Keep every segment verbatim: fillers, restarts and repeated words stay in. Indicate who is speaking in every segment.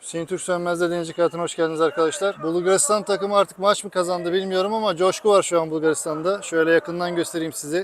Speaker 1: Hüseyin Türk Sönmez'de Denizci Kayatı'na hoş geldiniz arkadaşlar. Bulgaristan takımı artık maç mı kazandı bilmiyorum ama coşku var şu an Bulgaristan'da. Şöyle yakından göstereyim size.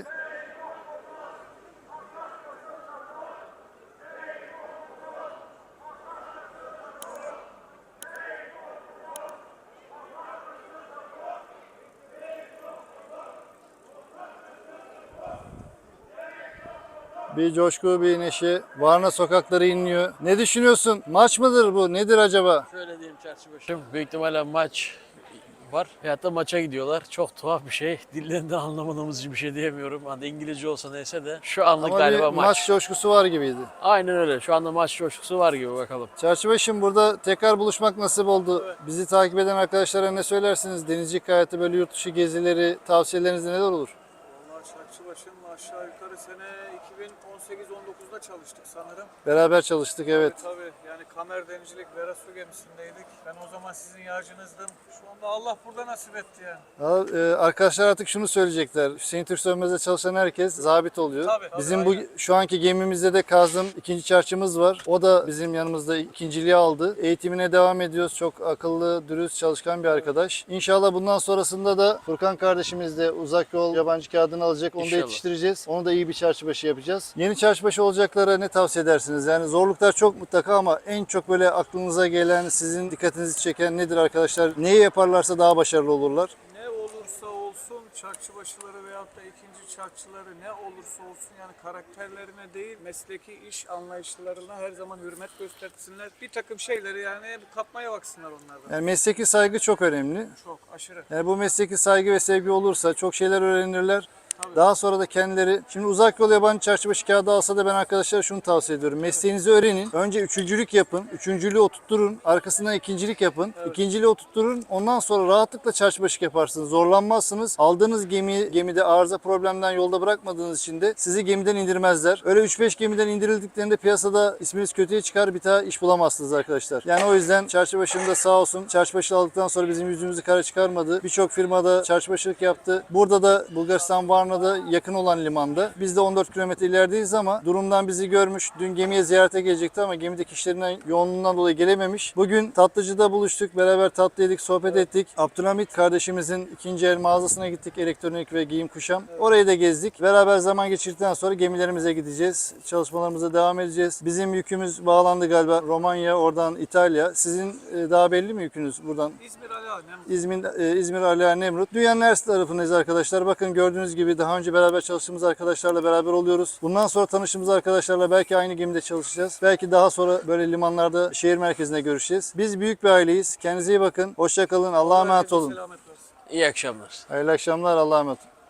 Speaker 1: Bir coşku, bir neşe. Varna sokakları inliyor. Ne düşünüyorsun? Maç mıdır bu? Nedir acaba?
Speaker 2: Şöyle diyeyim çarşı başım. Büyük ihtimalle maç var. Veyahut da maça gidiyorlar. Çok tuhaf bir şey. Dillerinden anlamadığımız bir şey diyemiyorum. Hani İngilizce olsa neyse de. Şu anlık
Speaker 1: Ama
Speaker 2: galiba
Speaker 1: bir
Speaker 2: maç.
Speaker 1: maç coşkusu var gibiydi.
Speaker 2: Aynen öyle. Şu anda maç coşkusu var gibi bakalım.
Speaker 1: Çarşıbaşım, burada tekrar buluşmak nasip oldu. Bizi takip eden arkadaşlara ne söylersiniz? Denizcilik hayatı, böyle yurt dışı gezileri, tavsiyeleriniz neler olur?
Speaker 3: Vallahi Çarşıbaşı'nın aşağı yukarı sene iki bin on sekiz on dokuzda çalıştık sanırım.
Speaker 1: Beraber çalıştık, evet.
Speaker 3: Tabii, tabii. Yani Kamer Denizcilik Vera Su gemisindeydik. Ben o zaman sizin yağcınızdım. Şu anda Allah burada nasip etti yani.
Speaker 1: Ya, e, arkadaşlar artık şunu söyleyecekler. Hüseyin Türk Sönmez'de çalışan herkes zabit oluyor.
Speaker 3: Tabii, tabii,
Speaker 1: Bizim bu
Speaker 3: aynen.
Speaker 1: şu anki gemimizde de Kazım ikinci çarşımız var. O da bizim yanımızda ikinciliği aldı. Eğitimine devam ediyoruz. Çok akıllı, dürüst, çalışkan bir arkadaş. İnşallah bundan sonrasında da Furkan kardeşimiz de uzak yol yabancı kağıdını alacak. Onu da
Speaker 2: İnşallah.
Speaker 1: yetiştireceğiz. Onu da iyi bir çarşıbaşı yapacağız. Yeni çarşıbaşı olacaklara ne tavsiye edersiniz? Yani zorluklar çok mutlaka ama en çok böyle aklınıza gelen, sizin dikkatinizi çeken nedir arkadaşlar? Neyi yaparlarsa daha başarılı olurlar?
Speaker 3: Ne olursa olsun çarkçıbaşıları veyahut da ikinci çarkçıları ne olursa olsun yani karakterlerine değil mesleki iş anlayışlarına her zaman hürmet göstersinler. Bir takım şeyleri yani kapmaya baksınlar onlardan.
Speaker 1: Yani mesleki saygı çok önemli.
Speaker 3: Çok aşırı.
Speaker 1: Yani bu mesleki saygı ve sevgi olursa çok şeyler öğrenirler.
Speaker 3: Tabii.
Speaker 1: Daha sonra da kendileri, şimdi uzak yol yabancı çarşıbaşı kağıdı alsa da ben arkadaşlara şunu tavsiye ediyorum. Mesleğinizi öğrenin. Önce üçüncülük yapın. Üçüncülüğü oturtturun. Arkasından ikincilik yapın. İkinciliği oturtturun. Ondan sonra rahatlıkla çarşıbaşı yaparsınız. Zorlanmazsınız. Aldığınız gemi, gemide arıza problemden yolda bırakmadığınız için de sizi gemiden indirmezler. Öyle üç beş gemiden indirildiklerinde piyasada isminiz kötüye çıkar, bir daha iş bulamazsınız arkadaşlar. Yani o yüzden çarşıbaşında sağ olsun, çarşıbaşı aldıktan sonra bizim yüzümüzü kara çıkarmadı. Birçok firmada çarşıbaşılık yaptı. Burada da Bulgaristan Varna'da yakın olan limanda. Biz de on dört kilometre ilerideyiz ama durumdan bizi görmüş. Dün gemiye ziyarete gelecekti ama gemideki işlerinden yoğunluğundan dolayı gelememiş. Bugün Tatlıcı'da buluştuk. Beraber tatlı yedik, sohbet ettik. Abdülhamit kardeşimizin ikinci el mağazasına gittik. Elektronik ve giyim kuşam. Orayı da gezdik. Beraber zaman geçirdikten sonra gemilerimize gideceğiz. Çalışmalarımıza devam edeceğiz. Bizim yükümüz bağlandı galiba. Romanya, oradan İtalya. Sizin e, daha belli mi yükünüz buradan?
Speaker 3: İzmir Ali Ağa, Nemrut.
Speaker 1: İzmir, e, İzmir Ala Nemrut. Dünyanın her tarafındayız arkadaşlar. Bakın gördüğünüz gibi daha önce beraber çalıştığımız arkadaşlarla beraber oluyoruz. Bundan sonra tanıştığımız arkadaşlarla belki aynı gemide çalışacağız. Belki daha sonra böyle limanlarda, şehir merkezinde görüşeceğiz. Biz büyük bir aileyiz. Kendinize iyi bakın. Hoşça kalın. Allah'a emanet
Speaker 3: Herkese
Speaker 1: olun.
Speaker 3: selamet versin.
Speaker 2: İyi akşamlar.
Speaker 1: Hayırlı akşamlar. Allah'a emanet olun.